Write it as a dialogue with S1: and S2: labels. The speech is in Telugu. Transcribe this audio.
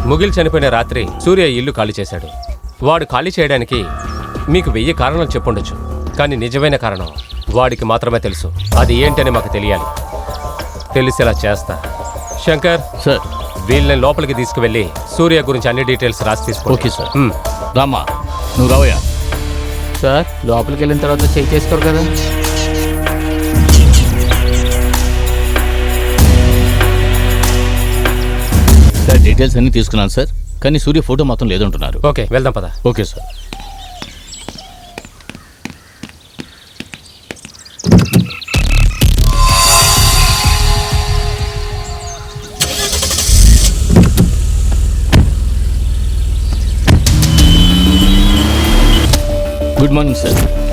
S1: ముగిల్ చనిపోయిన రాత్రి సూర్య ఇల్లు ఖాళీ చేశాడు. వాడు ఖాళీ చేయడానికి మీకు 1000 కారణాలు చెప్పుండొచ్చు, కానీ నిజమైన కారణం వాడికి మాత్రమే తెలుసు. అది ఏంటని మాకు తెలియాలి. తెలిసేలా చేస్తా. శంకర్
S2: సార్,
S1: వీళ్ళని లోపలికి తీసుకువెళ్ళి సూర్య గురించి అన్ని డీటెయిల్స్ రాసి తీసుకో.
S2: Okay sir. రామ్మా, నువ్వు రావయ్యా.
S3: సార్ లోపలికి వెళ్ళిన తర్వాత చెక్ చేసుకోరు కదా?
S2: సార్ డీటెయిల్స్ అన్నీ తీసుకున్నాను సార్, కానీ సూర్య ఫోటో మాత్రం లేదంటున్నారు.
S1: ఓకే, వెళ్దాం పద.
S2: Okay sir. Good morning sir.